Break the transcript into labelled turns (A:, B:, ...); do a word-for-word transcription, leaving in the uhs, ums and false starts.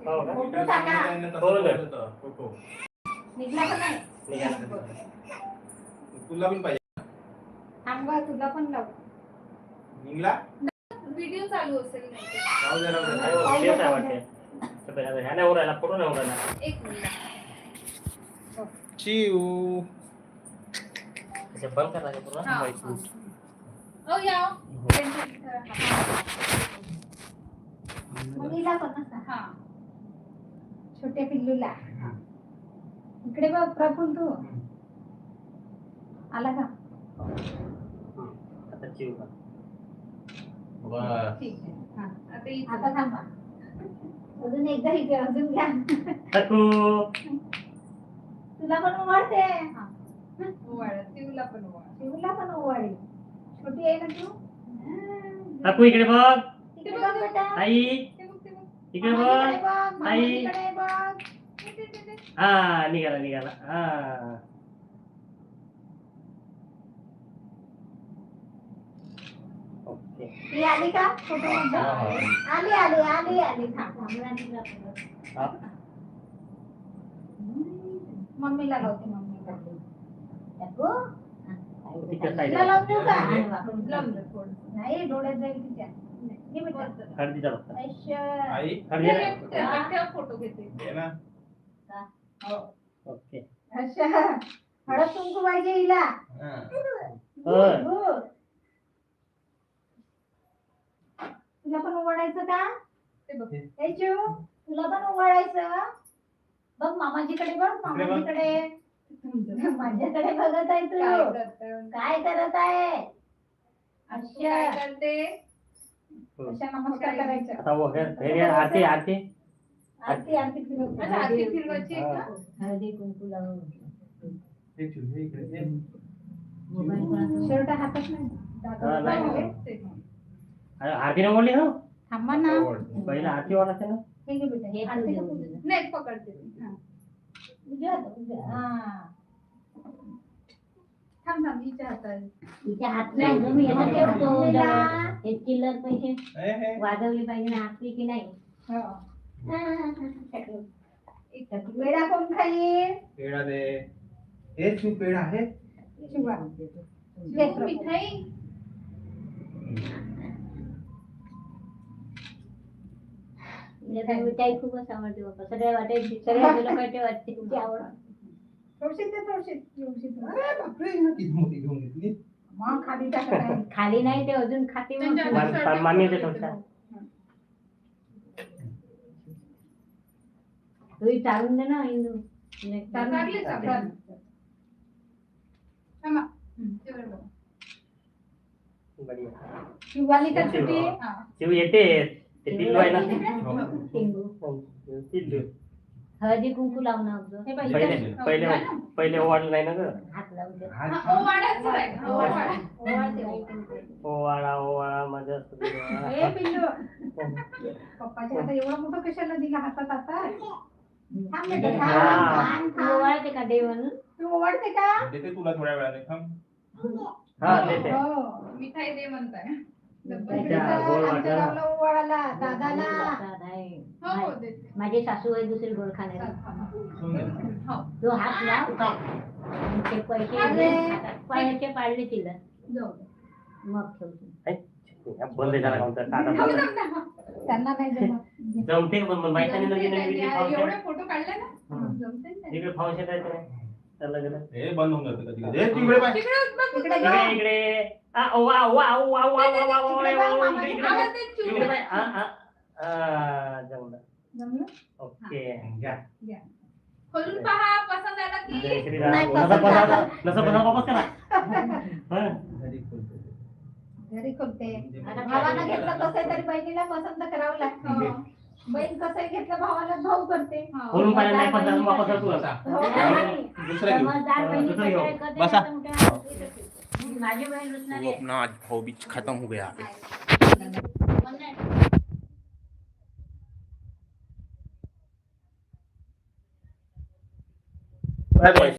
A: हो का?
B: फोटो टाका.
A: फोटो
B: निघला का नाही?
A: निघाला.
C: तुला पण पाहिजे.
B: थांब गं, तुला पण लाव.
C: निघला
D: व्हिडिओ चालू असेल नाही
C: राहू दे राहू दे.
A: नाही हो, तेच आहे वाटते. तर ह्या नाही उरायला, फोटो नाही उरायला.
D: एक मिनिट.
C: चिऊ
A: अच्छा, बंद करायचं पूर्ण.
D: हा,
A: माहिती.
D: हा. ओ या
B: मुलीला पण असं.
D: हा
B: छोट्या पिल्लूला. इकडे बघ प्रफुल, तू आला का?
A: आता चिव का?
C: बस.
D: ठीक आहे. हा आता इथं.
B: आता थांबा. अजून एकदा इथे अजून घ्या.
A: काकू.
B: तुला पण ओवाळते.
D: ओवाळा तिला पण ओवाळा.
B: शिवला पण ओवाळी. छोटी आहे ना तू?
A: काकू इकडे बघ.
B: इकडे बघ बेटा.
A: आई
D: ते बघ ते बघ.
A: इकडे
B: मामाकडे
A: बघ.
B: बघ.
A: आई.
B: मामाकडे बघ.
D: ते, ते, ते, ते.
A: हा निघाला निघाला. हा ओके.
B: ती आली का? फोटो मध्ये? आली आली आली आली. थांब
A: हा.
B: मम्मीला लावते मम्मीला. टाकू?
A: तिच्या
B: तिला
A: साईडला
B: लावून देऊ का?
D: लांब जा थोडं.
B: नाही, डोळ्यात जाईल तिच्या. घे बेटा.
A: हळदीचा रस्ता.
B: ऐश्य.
C: आई
A: हळदी
D: ठेव, ठेव, ठेव, फोटो घेते.
C: ये ना.
A: ओके.
B: अच्छा. हळद कुंकू पाहिजे हिला.
C: हा.
A: होय.
B: गुड. तुला पण ओवाळायचं का?
D: ते बघ.
B: ए चिऊ, तुला पण ओवाळायचं? बघ मामाजीकडे बघ, मामाजीकडे. माझ्याकडे बघत आहे
D: काय
B: तू.
D: करते?
B: काय करत आहे?
D: तू काय करते?
B: अशा नमस्कार करायचं.
A: आता वो है हे आरती आरती
B: आरती आरती फिरव.
D: अच्छा, आरती फिरवायची आहे का?
B: हळदी कुंकू लावून.
C: हे चिऊ, हे इकडे ये.
B: शर्ट हातात नाही.
A: हा, नाही.
D: हो, ते.
A: आरती नाही बोलली ना.
B: थांबा ना.
A: पहिला आरती वाढते ना.
B: हे घे बेटा. हे आरती नको देऊ.
D: नाही पकडते मी. हा.
B: उजव्या हातात, उजव्या. हा.
D: थांब थांब हिच्या हातात.
E: तिच्या हात नाही जो मी याला ठेवतो जरा. हे चिल्लर पैसे
C: हे, हे.
E: वाजवली पाहिजे ना आपली की नाही.
B: हो.
D: एक
B: पेढा कोण खाईल?
C: पेढा दे. हे चिऊ पेढा आहे.
B: शिवा.
D: चिऊ, मिठाई.
E: तिला तर मिठाई खूपच आवडते बाबा. सगळ्या वाटायची सगळ्या लोकांची वाटते तुमची आवड.
B: थोडीशी दे, थोडीशी. थोडीशी दे.
C: अरे बापरे, ना किती मोठी घेऊन घेतली.
B: मग खाली टाकत आहे.
E: खाली नाही ते अजून खाते मग.
D: त्यांच्या
A: मान-
D: हातात
A: मान- मामी येते थोडसा.
E: तुम्ही चालून दे ना इंदू.
D: चालले चालले. थांबा. हम्म, तेवढं बघ.
A: बढिया.
B: शिवाली का
A: शिवा.
B: सुट्टी?
D: हा.
A: चिव येते. ते पिल्लू आहे ना.
E: टिंगू.
A: पिल्लू.
E: हळदी कुंकू लावणं अगोदर.
B: हे पाहिजे.
A: पहिले पहिले पहिले ओवाळलं नाही ना ग.
E: हात लावून दे.
D: हा, ओवाळायचं आहे. ओवाळा.
B: ओवाळते, ओवाळते.
A: ओवाळा ओवाळा माझ्या
B: ए पिल्लू. पप्पाच्या हातात एवढा मोठा कशाला दिला हातात आता? थांब बेटा, थांब.
A: हा.
B: थांब,
E: तू
B: थांब.
E: ओवाळते का देव म्हणून?
B: तू ओवाळते का?
C: देते तुला थोड्या वेळाने. थांब.
A: हा देते.
B: हो.
D: मिठाई दे म्हणताय.
A: त्या गोड
B: आमच्या
A: वाटायला.
B: गावला ओवाळाला दादाला.
E: प्रसाद आहे.
D: हो हो देते.
E: माझे सासू आहे दुसरी गोड खाणारी.
C: ठेवून दे.
D: हो.
E: तो हात लाव काय. आणि ते पैसे
B: अरे.
E: हातात पायाचे पाडले तिला.
D: जाऊ दे.
E: मग ठेवतो.
A: बंद झाला काउंटर. टाटा
D: थांब,
A: बंद.
D: थांब, थांब.
B: त्यांना नाही जमत.
A: जमते पण मग माहिती नाही
D: जमते
A: लगेच
D: त्यांनी.
A: लगेच फाउंडेशन.
D: एवढे फोटो काढले ना.
A: हम्म.
D: जमते ना.
A: इकडे फाउंडेशन करायचं नाही. त्याला गेलं.
C: हे बंद होऊन जातं कधी कधी. हे तिकडे पाय.
D: तिकडे बघ.
B: इकडे
A: इकडे
B: बघ.
A: इकडे आ वा वा वा वा वा वा वा वा इकडे इकडे
D: आवाज दे, चिऊ.
A: इकडे बाय. आ आ आ जमलं.
B: जमलं?
A: ओके.
C: घ्या.
D: खोलून पहा पसंत आला की.
A: जय श्रीराम.
B: नाही,
A: नसा
B: पसंत
A: पसा
B: आलं.
A: नसा पसा वापस करा. हा.
C: घरी खोलतो ते.
B: घरी खोलते.
C: म्हणजे
B: भावानं घेतलं कसं तरी बहिणीला पसंत करावं लागतं. बहीण कसं घेतलं भावाला भाऊ करते.
D: हा.
A: खोलून पाहिलं नाही पण त्याला वापस कर तू
C: बसा.
B: हो.
C: दुसरा घेऊ.
E: समजदार बहिणी
A: दुसरं घेऊ.
E: कसं करते
C: बसा.
E: ना तुमच्या. माझी बहीण रुसणारी
C: वो
E: आहे.
C: अपना आज भाव बीच खत्म हो गया.
E: पण नाही.
C: Bye bye.